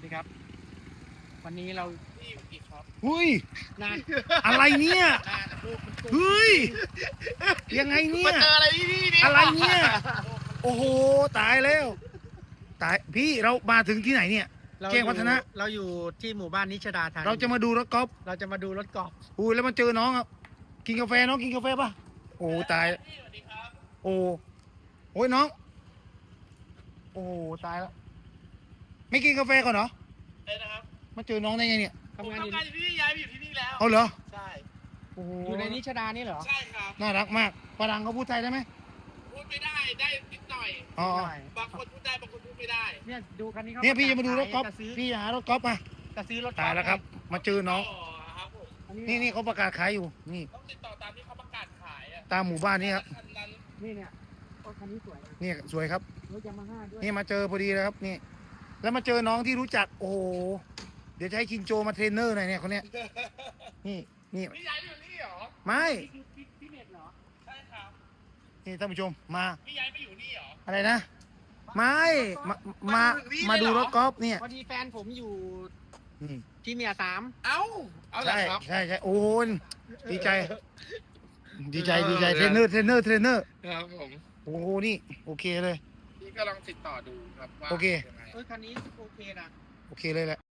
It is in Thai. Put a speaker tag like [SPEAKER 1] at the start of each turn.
[SPEAKER 1] ดีครับวันนี้เรา
[SPEAKER 2] พี่อีกครับ
[SPEAKER 3] หุ้ย
[SPEAKER 1] นาน
[SPEAKER 3] อะไรเนี่ย
[SPEAKER 2] นานลูกมันกุ้ง
[SPEAKER 3] เฮ้ยยังไงเนี่
[SPEAKER 2] มาย เจออะไรที่นี่เนี่ย
[SPEAKER 3] อะไรเนี่ย โอ้โหตายแล้วตายพี่เรามาถึงที่ไหนเนี่ย
[SPEAKER 1] เรา
[SPEAKER 3] แจ้งวัฒนะ
[SPEAKER 1] เราอยู่ที่หมู่บ้านนิชดาธานี
[SPEAKER 3] เราจะมาดูรถกอล์ฟ
[SPEAKER 1] เราจะมาดูรถกอล์ฟ
[SPEAKER 3] อุ้ยแล้วมาเจอน้องอ่ะกินกาแฟน้องกินกาแฟป่ะโอ้ตาย
[SPEAKER 2] พี่สวัสดีครับ
[SPEAKER 3] โอ้ยน้องโอ้ตายแล้วไม่กินกาแฟก่อนเหรอ
[SPEAKER 2] เอ้ยนะครับ
[SPEAKER 3] มาเจอน้องได้ไงเนี่ย
[SPEAKER 2] ผม
[SPEAKER 1] ทำงานอยู่
[SPEAKER 2] ทำงานอยู่ที่นี่ย้ายไปอยู่ที่นี่แล้ว
[SPEAKER 3] เอาเหรอ
[SPEAKER 2] ใช่
[SPEAKER 3] โอ้โห
[SPEAKER 1] อยู่ในนิชดานี่เหรอ
[SPEAKER 2] ใช่ครับ
[SPEAKER 3] น่ารักมากฝรั่งเขาพูดไทยได้ไหม
[SPEAKER 2] พูดไม่ได้ได้นิดหน่อย
[SPEAKER 3] อ๋อ
[SPEAKER 1] ใช่
[SPEAKER 2] บางคนพูดได้บางคนพูดไม่ได้
[SPEAKER 1] เนี่ยดูคันนี้เขา
[SPEAKER 3] เนี่ยพี่จะมาดูรถกอล์ฟ
[SPEAKER 1] จะซื้อ
[SPEAKER 3] พี่หารถกอล์ฟมา
[SPEAKER 1] จะซื้อรถกอ
[SPEAKER 3] ตาย
[SPEAKER 1] ล์ฟ
[SPEAKER 3] แล้วครับ มาเจอน้อง
[SPEAKER 2] ครับผม
[SPEAKER 1] อั
[SPEAKER 3] นี่เขาประกาศขายอยู่นี่
[SPEAKER 2] ต้องติดต่อตามที่เขาประกาศขายอ่ะ
[SPEAKER 3] ตามหมู่บ้านนี่ครับ
[SPEAKER 2] อันนั้น
[SPEAKER 1] นี่เนี่ยรถคันนี้สวยนะ
[SPEAKER 3] นี่สวยครับ
[SPEAKER 1] รถยามาฮ่าด้วย
[SPEAKER 3] นี่มาเจอพอดีเลยครับนี่ แล้วมาเจอน้องที่รู้จัก โอ้โหเดี๋ยวจะให้ชินโจมาเทรนเนอร์หน่อยเนี่ยคนเนี้ยนี่นี่
[SPEAKER 2] พี่ย้ายไปอยู่นี่เหรอ
[SPEAKER 3] ไม่
[SPEAKER 1] นี่คือพี่เน็ตเหรอ
[SPEAKER 2] ใช่ครับ
[SPEAKER 3] นี่ท่านผู้ชมมา
[SPEAKER 2] พี่ย้ายไปอยู่นี่เหรอ
[SPEAKER 3] อะไรนะ ไม่มามาดูรถกอล์ฟเนี่ย
[SPEAKER 1] พอดีแฟนผมอยู่
[SPEAKER 3] นี่
[SPEAKER 1] ที่เมียสาม
[SPEAKER 2] เอ้าเอาเหรอ
[SPEAKER 3] ใช่
[SPEAKER 2] ครับ
[SPEAKER 3] ใช่โอ้ยดีใจ ดีใจเทรนเนอร์
[SPEAKER 2] ครับผม
[SPEAKER 3] โอ้โหนี่โอเคเลย
[SPEAKER 2] พี่ก็ลองติดต่อดูครับว่า
[SPEAKER 3] โอเค
[SPEAKER 2] ยังไง
[SPEAKER 1] คันนี้โอเคนะ
[SPEAKER 3] โอเคเลยแหละ